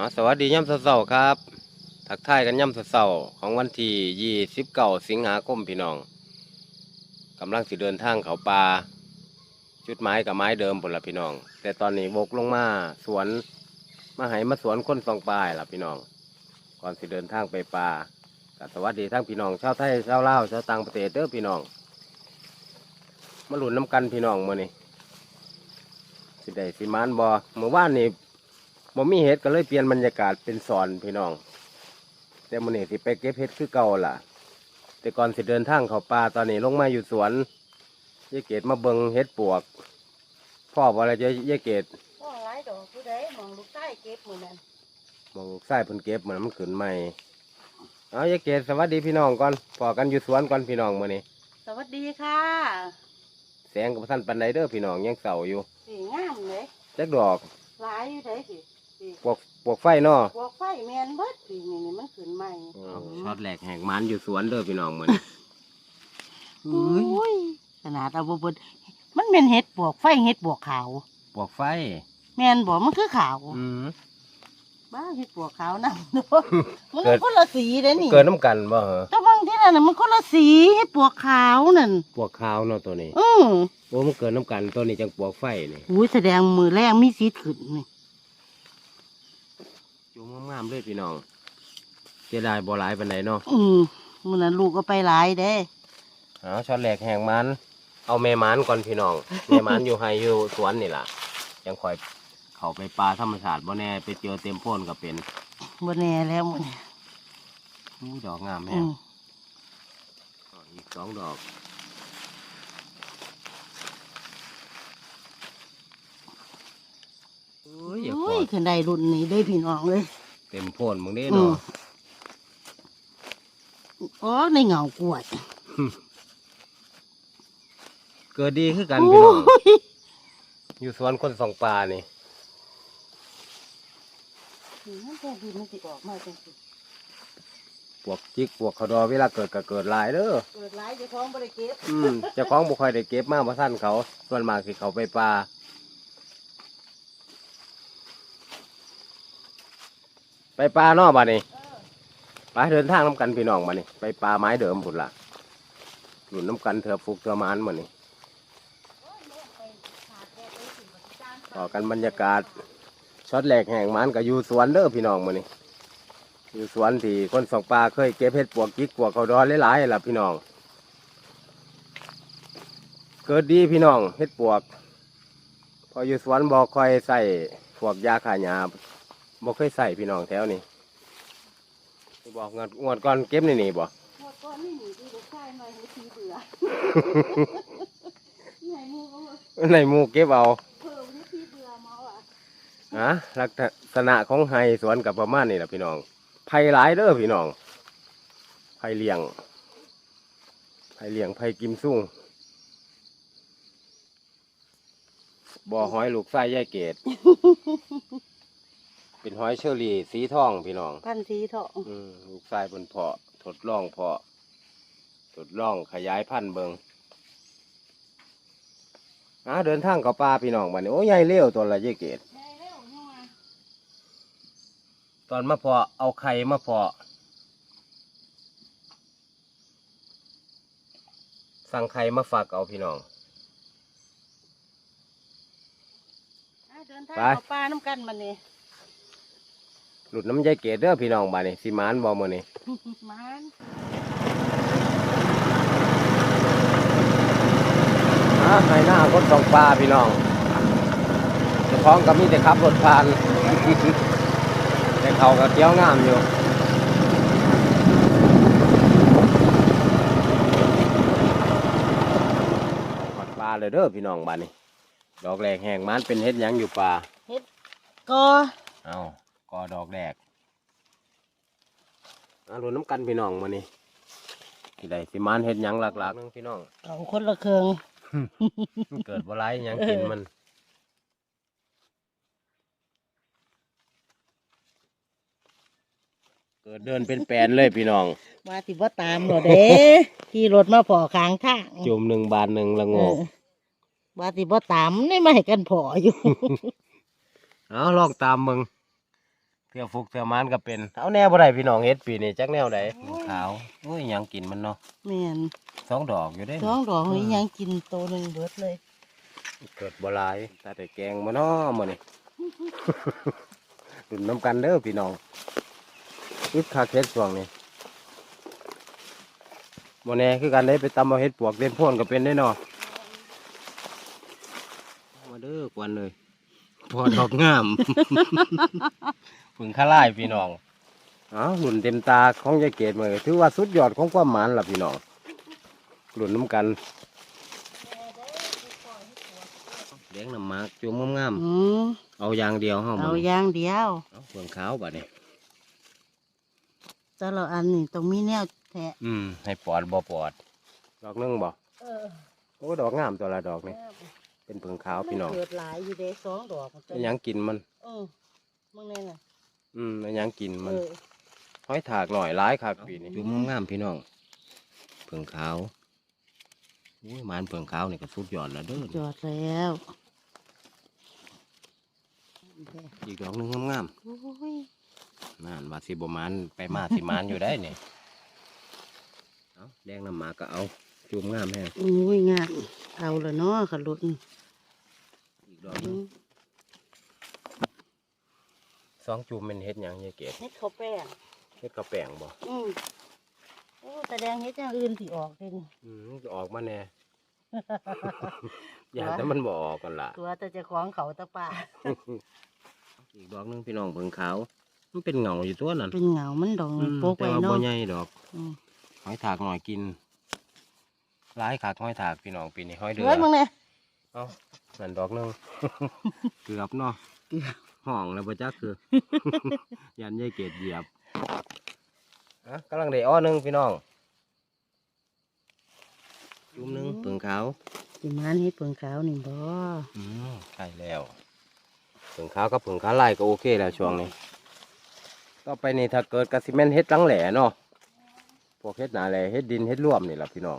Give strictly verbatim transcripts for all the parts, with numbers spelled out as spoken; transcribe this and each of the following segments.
สวัสดีย่ำเสาร์ครับทักทายกันย่ำเสาร์ของวันที่ยี่สิบเก้าสิงหาคมพี่น้องกำลังสิเดินทางเขาป่าจุดไม้กับไม้เดิมผลละพี่น้องแต่ตอนนี้บกลงมาสวนมาให้มาสวนคนสองปลายละพี่น้องก่อนสิเดินทางไปป่าก็สวัสดีทั้งพี่น้องชาวไทยชาวลาวชาวต่างประเทศเด้อพี่น้องมาหลุนน้ำกันพี่น้องมื้อนี้สิได้สิมานบ่เมื่อวานนี้บ่มีเห็ดก็เลยเปลี่ยนบรรยากาศเป็นสอนพี่น้องแต่มื้อนี้สิไปเก็บเห็ดคือเก่าล่ะแต่ก่อนสิเดินทางเข้าป่าตอนนี้ลงมาอยู่สวนยายเกดมาเบิ่งเห็ดปวกพ่อบ่อะไรจะยายเกดมองหลายดอกผู้ใดมองลูกใต้เก็บมือนั้นมองใส่เพิ่นเก็บเหมือนมันขึ้นใหม่เอายายเกดสวัสดีพี่น้องก่อนพอกันอยู่สวนก่อนพี่น้องมื้อนี้สวัสดีค่ะแสงกับท่านปันไดเด้อพี่น้องยังเศร้าอยู่สีงามเลยจักดอกหลายอยู่ได้สิสิปวกปวกไฟเนาะพวกไฟแมนเบิดสีนี่นี่มันขึ้นใหม่ช็อตแหลกแหกมันอยู่สวนเด้อพี่น้องมื้อนี้โอ้ยขนาดเอาบ่เบิดมันเป็นเห็ดปวกไฟเห็ดปวกขาวปวกไฟแมนบอกมันคือขาวอืมบ้าเห็ดปวกขาวนำเนาะมันคนละสีเด้นี่เกิดน้ำกันบ่เหรอก็บางที่นั่นน่ะมันคนละสีเห็ดปวกขาวนั่นปวกขาวเนาะตัวนี้อือโอ้มันเกิดน้ำกันตัวนี้จังปวกไฟนี่อุ้ยแสดงมือแรกมีสีขึ้นนี่จุ่มงามๆเลยพี่น้องเสียดายบ่หลายปานใดเนาะอือมื้อนั้นลูกก็ไปหลายเด้เอาช็อตแหลกแหกมันเอาแม่มันก่อนพี่น้อง แม่มันอยู่ไฮอยู่สวนนี่ล่ะยังคอยเข้าไปปลาธรรมชาติบ่แน่ไปเจอเต็มโพ่นก็เป็นบ่แน่แล้วมื้อนี้อู้ดอกงามแฮอืงออีกสองดอกโอ้ยอย่าพอุ้อยขึ้นได้รุ่นนี้ได้พี่น้องเลยเต็มโพ่นมึงนี่อืเนาะมอ๋อในเงากล้วยเกิดดีคือกันพี่น้องโอ้ยอยู่สวนคนสองปลานี่มันแต่ดีมันสิออกมาจังสิปวกจิกปวกเขาดอเวลาเกิดก็เกิดหลายเด้อเกิดหลายเจ้าของบ่ได้เก็บอืมเจ้าของบุคอยได้เก็บมาเพราะท่านเขา ส่วนมากสิเขาไปปลาไปปลาเนอกบ้านนี่ไปเดินทางน้ำกันพี่น้องมานี่ไปปลาไม้เดิมผุดละหลุนน้ำกันเถื่อฟุกเถื่อมานมานี่ต่อกันบรรยากาศช็อตแหลกแห่งมันกับอยู่สวนเด้อพี่น้องมานี่อยู่สวนที่คนสองปลาเคยเก็บเห็ดปวกจิกปวกเขาดอนหลายๆล่ะพี่น้อง เกิดดีพี่น้องเฮ็ดปวก พออยู่สวนบ่ค่อยใส่พวกยาฆ่าหญ้าบ่เคยใส่พี่น้องแถวนี้บอกงวดงวดก่อนเก็บนี่นี่บ่หมดก้อนนี่หนีที่ลูกชายมาให้ทีเบื่อไหนมูก็ในหมู่เก็บเอาเพิ่มให้ทีเบื่อเมาอ่ะฮะลักษณะของไฮสวนกับประมาณนี่ล่ะพี่น้องไผ่หลายเด้อพี่น้องไผ่เลี้ยงไผ่เลี้ยงไผ่กิมซุ่งบ่อหอยลูกไส้ยายเกด เป็นหอยเชอรี่สีทองพี่น้องพันสีทองอืมลูกไส้บนเพาะทดลองเพาะทดลองขยายพันธุ์เบิงอ่าเดินทางเข้าป่าพี่น้องบัดนี้โอ้ยใหญ่เลี้ยวตัวละยายเกดได้แล้วยังไงตอนมาเพาะเอาไข่มาเพาะสั่งไข่มาฝากเอาพี่น้องเดินทางเข้าป่าน้ำกันมันนี่หลุดน้ำยายเกดเด้อพี่น้องบัดนี้สิมานบ่มื้อนี้มันอ่าในหน้าคนสองปลาพี่น้องเจ้าของก็มีแต่ขับรถผ่าน แต่เขาก็เกี้ยวงามอยู่หอดปลาเลยเด้อพี่น้องบ้านนี้ดอกแรกแห้งมันเป็นเฮ็ดหยังอยู่ปลาก็เอาก็ดอกแรกเอาดูน้ำกันพี่น้องมานี่ที่ใดสิมันเฮ็ดหยังหลักๆนึงพี่น้องเอาคนละเครื่องมันเกิดบ่ไรหยังกินมันเกิดเดินเป็นแปลนเลยพี่น้องว่าสิบ่ตามหรอเด้ขี่รถมาพอค้างทางจุ่มหนึ่งบาทหนึ่งละโงกเออว่าสิบ่ตามนี่มาให้กันพออยู่เอาลองตามมึงทื่อฟุกเทื่อมานก็เป็นเอาแนวบ่ได้พี่น้องเฮ็ดปีนี้จักแนวใดขาวโอ้ยหยังกินมันเนาะแม่นสองดอกอยู่เด้สองดอกนี่ยังกินโตหนึงเบิดเลยเกิดบ่หลายแต่แต่แกงมาเนาะมื้อนี้ ดุนน้ำกันเด้อพี่น้องอึดคักเฮ็ดช่วงนี้บ่แน่คือกันได้ไปตำเอาเฮ็ดปวกเล่นพ่นก็เป็นได้เนาะมาเด้อกวนเลยพอดอกงาม ผึ่งข้าไล่พี่น้องอ้าวหลุนเต็มตาของยายเกดมือถือว่าสุดยอดของความหมานล่ะพี่น้องหลุนน้ำกันเลี้ยงน้ำหมากจุ่มงามอืมๆเอาอย่างเดียวเฮาเอามื้อนี้อย่างเดียวเอาเฟืองขาวบัดนี้แต่ละอันนี่ต้องมีแนวแทะอืมให้ปอดบ่ปอดดอกหนึงบ่เออโอ้ดอกงามตัวละดอกนี่เป็นเฟืองขาวพี่น้องมันเกิดหลายอยู่เด้สองดอกอันหยังกินมันเออมึงแน่น่ะอืมอันหยังกินมันเออห้อยถากหน่อยร้ายคักปีนี้จุ่มงามๆพี่น้องเฟืองขาวอุ้ยหมานเฟืองขาวนี่ก็สุดยอดแล้วเด้อจอดแล้วอีกดอกหนึงงามโอ้ยๆนั่นว่าสิบ่หมานไปมาสิหมานอยู่ได้เนี่ยเอาแดงน้ำหมากก็เอาจุ่มงามแฮงโอ้ยงามเอาละเนาะขลุนอีกดอกหนึงสองจุ่มเป็นเฮ็ดหยังยายเกดเฮ็ดข้าวแป้งเฮ็ดกระแป้งบ่อืมโอ้แสดงเฮ็ดอย่างอื่นสิออกเลยนี่อืมจะออกมาแน่ อย่าแต่มันบ่ออกกันล่ะตัวแต่เจะของเขาตะป่าอีกดอกหนึงพี่น้องเบิ่งขาวมันเป็นเงาอยู่ตัวนั้นเป็นเหงามันดองอืมโปกแต่ไว้ว่าบ่เนาะใหญ่ดอกอืมหอยถากหน่อยกินหลายขากหอยถากพี่น้องปีนี้หอยเดือเฮ้ยมึงเนี่ยเอ้านั่นดอกหนึง เกือบเนาะเกือบห้องแล้วบ่จักคือ ยันยายเกดเหยียบอ่ะกำลังได้อ้อหนึงพี่น้องจุ่มหนึงเปลืองขาวสิมานเฮ็ดเปิงขาวนี่บ่อืมใช่แล้วเปลืองขาวกับเปลืองขาวลายก็โอเคแล้วช่วงนี้ต่อไปนี่ถ้าเกิดกระสิเมนเฮ็ดหลังแหล่เนาะพวกเฮ็ดหนาแหล่เฮ็ดดินเฮ็ดร่วมนี่แหละพี่น้อง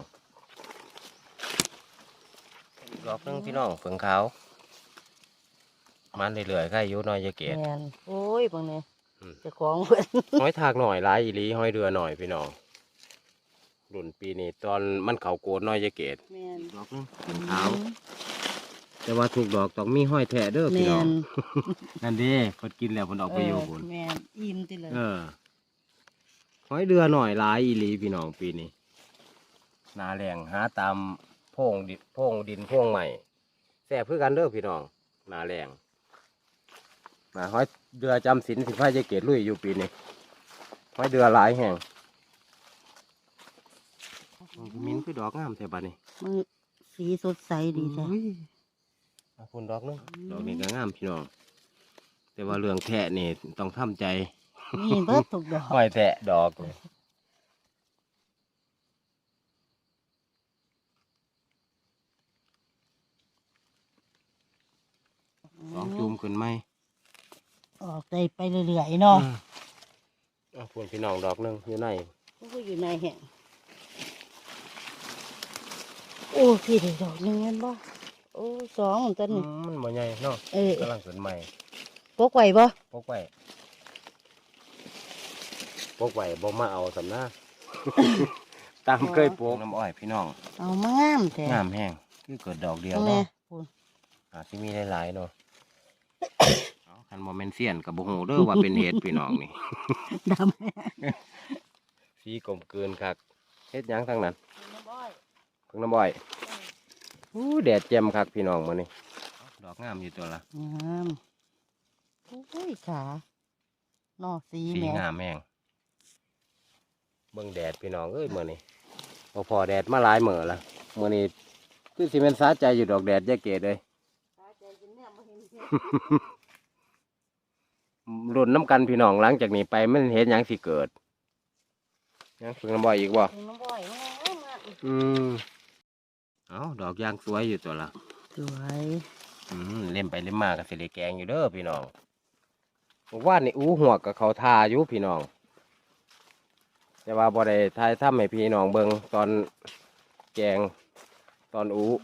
ดอกหนึงพี่น้องเปลืองขาวมันเรื่อยๆใครอยู่น้อยยายเกดแม่นโอ้ยบังเนี่ยอืมเจะของเพิ่นหอยถากหน่อยหลายอีหลีหอยเรือหน่อยพี่น้องรุ่นปีนี้ตอนมันเขาโกดน้อยยายเกดแม่นดอกนึงเป็นขาว แต่ว่าถูกดอกต้องมีห้อยแทะเด้อพี่แม่น้องนนั่นดิเพิ่นกินแล้วเพิ่นออกไปอยู่พุ่นแม่นอิ่มติเลยเออหอยเรือหน่อยหลายอีหลีพี่น้องปีนี้หนาแรงหาตามโพงดินโพงดินโพงใหม่แซ่บคือกันเด้อพี่น้องหนาแรงมาหอยเรือจำศีลสิบห้ายายเกดลุยอยู่ปีนี้หอยเรือหลายแห่งมิ้นคือดอกงามแท้บัดนี้มันสีสดใสดีจ้ะอุ้ยเอาคุณดอกนึงดอกนี้ก็งามพี่น้อง แต่ว่าเรื่องแทะนี่ต้องทำใจนี่เบิดทุกดอกห้อยแทะดอกนี่สองจุ่มขึ้นไหมออกได้ไปเรื่อยๆเนาะอืมเอาคุณพี่น้องดอกนึงอยู่ในมันก็อยู่ในแห่งโอ้พี่ได้ดอกหนึงแม่นบ่โอ้สองต้นอืนี่มมันบ่ใหญ่เนาะเออกำลังขึ้นใหม่ปกไว้บ่ปกไว้ปกไว้บ่มาเอาสำนา ตามเคยปลูกน้ำอ้อยพี่น้องเอามางามแท้งามแห้งคือเกิดดอกเดียวแม่เนาะพูนอาจจะมีหลายๆเนาะ เอาคันโมเมนเซียนกับโบโหเด้อว่าเป็นเห็ดพี่น้องนี่ดำแม่สีกลมเกินคักเฮ็ดหยังทั้งนั้นน้ำอ้อยเพิ่งน้ำบ่อยอู้แดดแจ่มคักพี่น้องมื้อนี้ดอกงามอยู่ตัวละงามโอ้ยขาเนอสีสีแม่งามแห้งเบิ่งแดดพี่น้องเอ้ยมื้อนี้บ่พอแดดมาหลายมื้อละมื้อนี้คือสิแม่นสาใจอยู่ดอกแดดแยกเกดเลย รุ่นน้ำกันพี่น้องหลังจากนี้ไปมันเห็นหยังสิเกิดยังเพิ่งน้ำบ่อยอีกบ่น้ำอ้อยงามมากอืมเอาดอกยางสวยอยู่ตัวละสวยอืมเล่มไปเล่มมากับสิริแกงอยู่เด้อพี่น้องบอกว่านี่อู้หัวกับเขาทาอยู่พี่น้องแต่ว่าบ่ได้ทายทำให้พี่น้องเบิงตอนแกงตอนอู้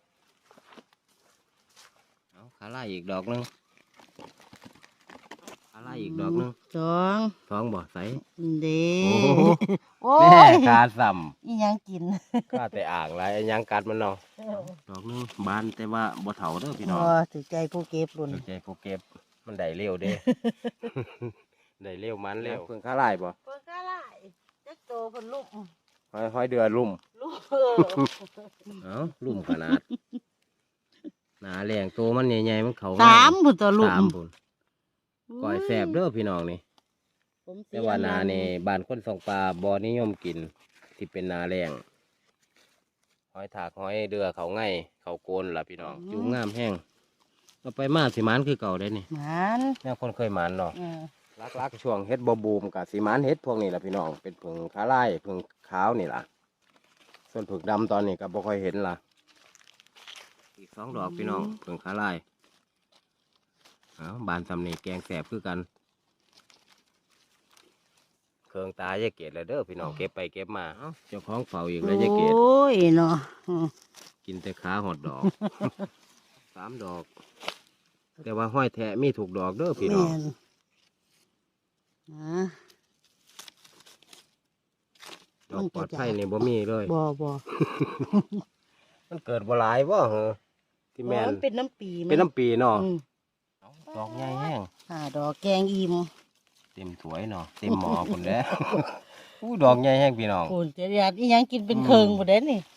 เอาขาไล่อีกดอกหนึงอะไรอีกดอกหนึงสองท้องบ่ใสเด้โอ้โหโอ้แม่ยกาซ้อีหยังกินำข้าแต่อ่างไรไอ้หยังกัดมันเนาะดอกหนึงบานแต่ว่าบ่เถาเด้อพี่น้องอ๋อถือใจผู้เก็บรุ่นถูกใจผู้เก็บมันได้เร็วเด้ ได้เร็วมันเร็วเพิ่งข้าไล่บ่เพิ่นก็ไล่จักโตเพิ่นลูกห้อยห้อยเดือลุ่มลูกเออเอ้าลุ่มขนาด หนาแรงตัวมันใหญ่ๆมันเขาสามพุ่นตัวลูกสามพุ่นก่อยแสบเด้อพี่น้องนี่ผมเสีแต่ยว่านามันี่บ้านคนสองปลาบ่นิยมกินที่เป็นนาแรงหอยถากหอยเดือเขาง่ายเขาโกนล่ะพี่น้องจุ่มงามแห้งเราไปมาสิหมันคือเก่าได้นี่มันแม่คนเคยหมันเนาะเออลักๆช่วงเฮ็ดบ่บูมกับสิหมันเฮ็ดพวกนี้ล่ะพี่น้องเป็นผึ่งขาลายผึ่งขาวนี่ล่ะส่วนผึ่งดำตอนนี้ก็บ่ค่อยเห็นล่ะอีกสองดอกพี่น้องผึ่งขาลายเอาบานสำนีแกงแสบคือกันเครื่องตายายเกดเลยเด้อพี่น้องเก็บไปเก็บมาเอ้าเจ้าของเฝ้าอีกแล้วยายเกดโอ้ยเนาะอืมกินแต่ขาหอดดอก สามดอก แต่ว่าห้อยแทะมีถูกดอกเด้อพี่น้องแม่นนะดอกปลอดภัยนี่บ่มีเลยบ่บ่มันเกิดบ่หลายบ่เหรอที่แม่นมันเป็นน้ำปีมัเป็นน้ำปีเนาะอืมดอกใหญ่แห้งอ่าดอกแกงอิ่มเต็มถ้วยเนาะเต็มหม้อพุ่นแล้ว อู้ดอกใหญ่แห้งพี่น้องคุณจะอยากอีหยังกินเป็นเคิงบ่ได้นี่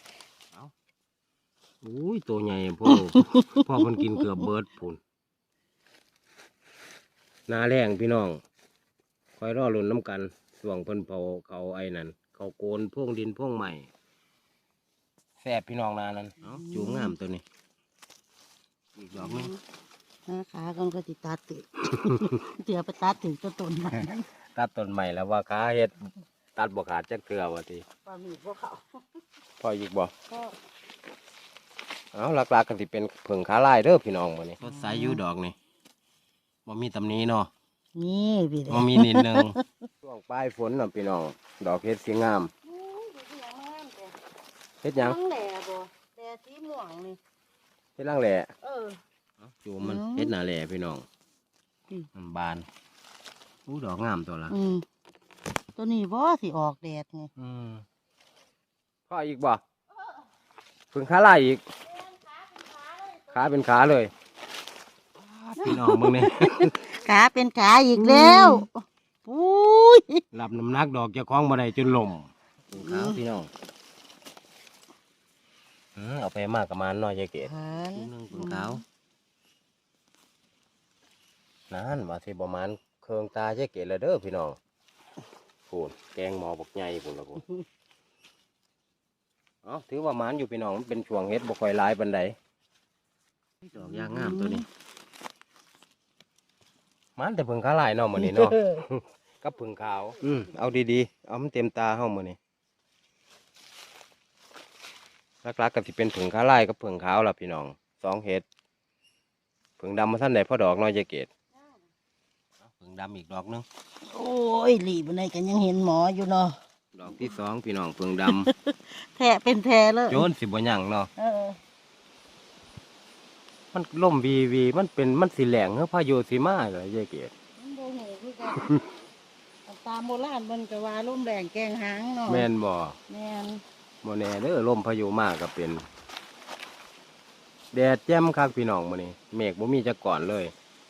อุ้ยตัวใหญ่พ่อ พ่อมันกินเกือบเบิดพุ่นหนาแรงพี่น้องคอยรอลุ้นน้ำกันส่วงเพิ่นเผาเขาไอ้นั่นเขาโกนพ่วงดินพ่วงใหม่แซ่บพี่น้องนานั้นเอ้าจูงงามตัวนี้อีกดอกหนึงนะขาก่อนก็สิตัดติ เดี๋ยวไปตัดถึงต้นต้นมันตัดต้นใหม่แล้วว่าขาเฮ็ดตัดบ่ขาดจักเทื่อว่าทีปลาหมีพวกเขาพออีกบ่ก็เอาหลักๆกันสิเป็นเผิงขาลายเด้อพี่น้องมื้อนี้สดใสอยู่ดอกนี่บ่มีตำหนี้เนาะนี่พี่เด้บ่มีนิดนึงช่วงปลายฝนน่ะพี่น้องดอกเฮ็ดสีงามเฮ็ดหยังทั้งแหล่บ่แหล่สีม่วงนี่เฮ็ดล่างแหล่เออจูมันอืมเฮ็ดหน้าแหล่พี่น้องอืมมันบานอู้ดอกงามตัวละอืมตัวนี้บ่สิออกแดดไงอืมพออีกบ่เผิงขาลายอีกขาเป็นขาเลยพี่น้องมึงนี่ขาเป็นขาอีกแล้วปุ้ยรับน้ำหนักดอกเจะคล้าของบ่ได้จนลมขาวพี่น้องอืมเอาไปมากกับมันน้อยยายเกดหันลูกหนึงเพิ่งขาวนั่นว่าสิประมาณเครื่องตายายเกดแล้วเด้อพี่น้องพูนแกงหมอบักใหญ่พูนละพูนเอ๋อถือว่ามันอยู่พี่น้องมันเป็นช่วงเฮ็ดบ่ค่อยหลายปานใดดอกยางงามตัวนี้มันแต่เพิ่งขาลายเนาะมื้อนี้เนาะ กับผึ่งขาว อืมเอาดีๆ เอามันเต็มตาเฮ้ามือนี่ลักๆก็สิเป็นผึ่งขาลายกับผึ่งขาวล่ะพี่น้องสองเห็ดผึ่งดำมาท่านไหนพ่อดอกน้อยยายเกดผึ่งดำอีกดอกหนึงโอ้ยหลีบในกันยังเห็นหมออยู่เนาะดอกที่สองพี่น้องผึ่งดแทะเป็นแทะเลยำ โยนสิบ่หยังเนาะเออมันล่มวีวีมันเป็นมันสีแหลงเฮ้พายุสีมาเลยยายเกดมันบ่หูคือกันตามโบราณมันก็ว่าลมแรงแกงหางเนาะแม่นบ่แม่นบ่แน่เด้อลมพายุมากก็เป็นแดดแจ่มคักพี่น้องมื้อนี้เมฆบ่มีจักก่อนเลย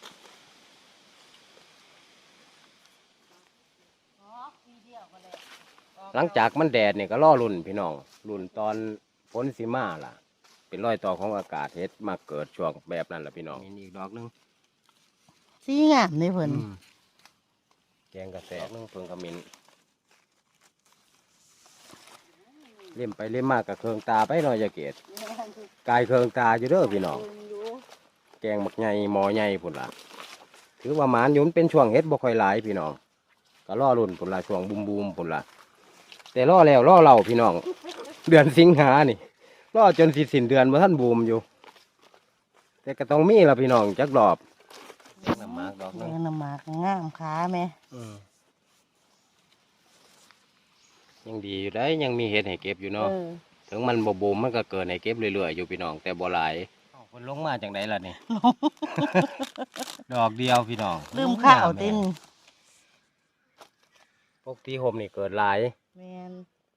หลังจากมันแดดเนี่ยก็ล่อรุ่นพี่น้องรุ่นตอนฝนสีมาล่ะ เป็นรอยต่อของอากาศเฮ็ดมาเกิดช่วงแบบนั้นล่ะพี่น้องมีอีกดอกหนึงสีงามเลยเพิ่นอืมแกงกระแสดอกหนึงเพิ่งขมิ้นเล่มไปเล่มมากกับเครื่องตาไปหน่อยจะเกตกายเครื่องตาอยู่เด้อพี่น้องแกงหมักใหญ่หมอใหญ่พุ่นล่ะถือว่าหมานอยู่มันเป็นช่วงเฮ็ดบ่ค่อยหลายพี่น้องก็ล่อรุ่นพุ่นล่ะช่วงบูมบูมพุ่นล่ะแต่ล่อแล้วล่อเล่าพี่น้อง เดือนสิงหานี่ล่อจนสิสิ้นเดือนบ่ทันบูมอยู่ แต่ก็ต้องมีล่ะพี่น้องจักรอบน้ำมากดอกแกนึงงน้ำหมากงามขาแม่ยังดีอยู่ได้ยังมีเห็ดให้เก็บอยู่เอเนาะอถึงมันบ่บูมมันก็เกิดให้เก็บเรื่อยๆอยู่พี่น้องแต่บ่หลายคนลงมาจากไหนล่ะนี่ ดอกเดียวพี่น้องลืมข้าวเต้นปกติห่มนี่เกิดหลายแมน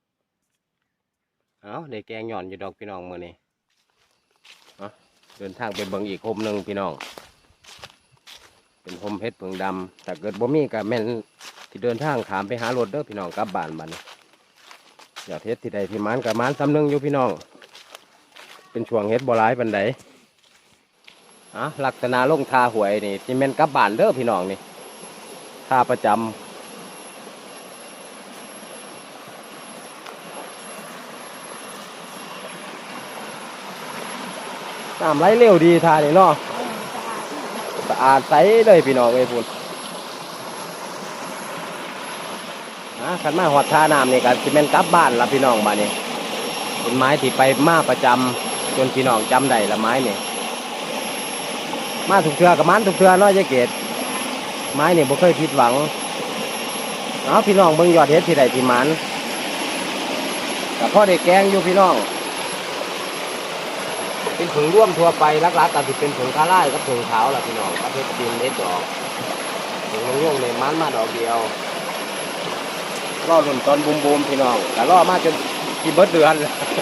เอ้าได้แกงหย่อนอยู่ดอกพี่น้องมื้อนี้เอ้าเดินทางไปเบิ่งอีกห่มหนึงพี่น้องเป็นห่มเพชรเพิงดำแต่เกิดบ่มีก็แม่นที่เดินทางขามไปหารถเด้อพี่น้องกลับบ้านบัดนี้ยอดเฮ็ดที่ใดที่มันก็มันซ้ำหนึงอยู่พี่น้องเป็นช่วงเฮ็ดบ่หลายปานใดอ่ะลักษณะลงทาหวยนี่ที่แม่นกลับบ้านเด้อพี่น้องนี่ท่าประจำน้ำไหลเร็วดีทานี่เนาะสะอาดใสเลยพี่น้องเอ้ยพุ่นอ่ะขันมาหอดท่าน้ำนี่ก็สิแม่นกลับบ้านละพี่น้องบ้านนี้เป็นไม้ที่ไปมาประจำจนพี่น้องจำได้ละไม้นี่มาถูกเทือกับมันถูกเทือเนาะยายเกดไม้นี่บ่เคยผิดหวังเอาพี่น้องเบิ่งยอดเฮ็ดที่ใดที่มันแต่พ่อได้แกงอยู่พี่น้องเป็นผึ่งร่วมทั่วไปลักๆก็สิเป็นผึ่งคาร่ายกับผึ่งขาวล่ะพี่น้องกับเพชรจีนเล็ดดอกผึ่งง่วงๆในมันมาดอกเดียวรอรุ่นตอนบูมๆพี่น้องแต่รอมาจนกี่เบิดเดือน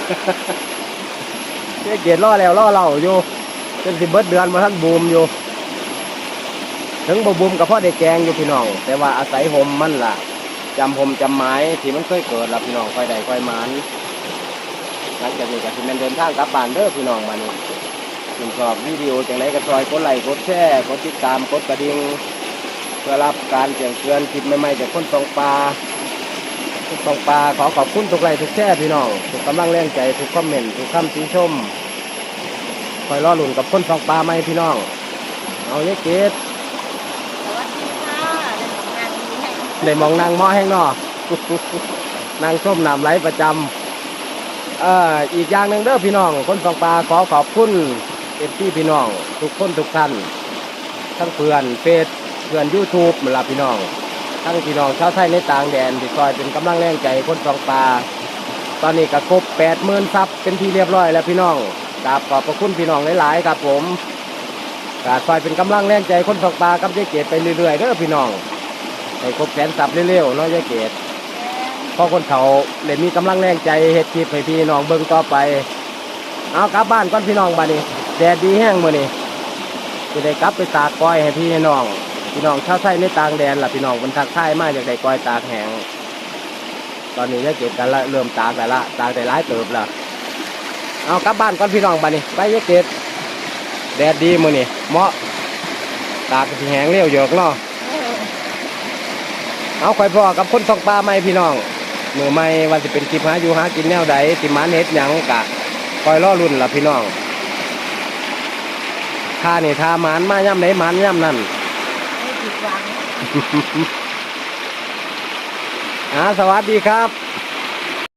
ยายเกดรอแล้วรอเล่าอยู่จนสิเบิดเดือนมาท่านบูมอยู่ถึงบ่บูมกับพ่อได้แกงอยู่พี่น้องแต่ว่าอาศัยห่มมันล่ะจำห่มจำไม้ที่มันเคยเกิดล่ะพี่น้องค่อยได้ค่อยมันหลังจากนี้ก็สิแม่นเดินทางกลับบ้านเด้อพี่น้องมานี่ถึงชอบวิดีโอจังไรก็ซอยกดไลค์กดแชร์กดติดตามกดกระดิ่งเพื่อรับการแจ้งเตือนคลิปใหม่ๆจากคนสองปลาคนสองปลาขอขอบคุณทุกไลค์ทุกแชร์พี่น้องทุกกำลังแรงใจทุกคอมเมนต์ทุกคำติชมคอยรอหลุนกับคนสองปลาไหมพี่น้องเอาเยอะเกตสวัสดีค่ะได้ของงานนี้ให้ได้มองนางหม้อแห้งนอนางส้มน้ำไหลประจำเอ่ออีกอย่างหนึ่งเด้อพี่น้องคนสองปลาขอขอบคุณเอฟซีพี่น้องทุกคนทุกท่านทั้งเพื่อนเฟซเพื่อนยูทูบเหมือนละพี่น้องทั้งพี่น้องชาวไทยในต่างแดนที่คอยเป็นกำลังแรงใจคนสองปลาตอนนี้ก็ครบแปดหมื่นซับเป็นที่เรียบร้อยแล้วพี่น้องกราบขอบพระคุณพี่น้องหลายๆครับผมกาคอยเป็นกำลังแรงใจคนสองปลากับยายเกดไปเรื่อยๆเด้อพี่น้องให้ครบแสนซับเร็วๆเนาะยายเกดพอคนเขาเลยมีกำลังแรงใจเฮ็ดคลิปให้พี่น้องเบิ่งต่อไปเอากลับบ้านก่อนพี่น้องบ้านนี้แดดดีแห้งมื้อนี้จะได้กลับไปตากก้อยให้พี่ให้น้องพี่น้องชาวไทยในต่างแดนล่ะพี่น้องมันทักทายมากอยากได้ก้อยตากแห้งตอนนี้ยายเกดกันละเริ่มตากแต่ละตากได้หลายเติบแล้วเอากลับบ้านก่อนพี่น้องบ้านนี้ไปยายเกดแดดดีมื้อนี้เหมาะตากที่แห้งเร็วเยอะเนาะเอาข่อยพ่อกับคนสองปลาไม่พี่น้องมือไม่ว่าจะเป็นคลิปหาอยู่หากินแนวใดสิมันเฮ็ดหยังกะคอยล่อรุ่นล่ะพี่น้องท่านี่ท่ามันมาย่ำไหนมันย่ำนั่นไม่ผิดหวังอ่าสวัสดีครับ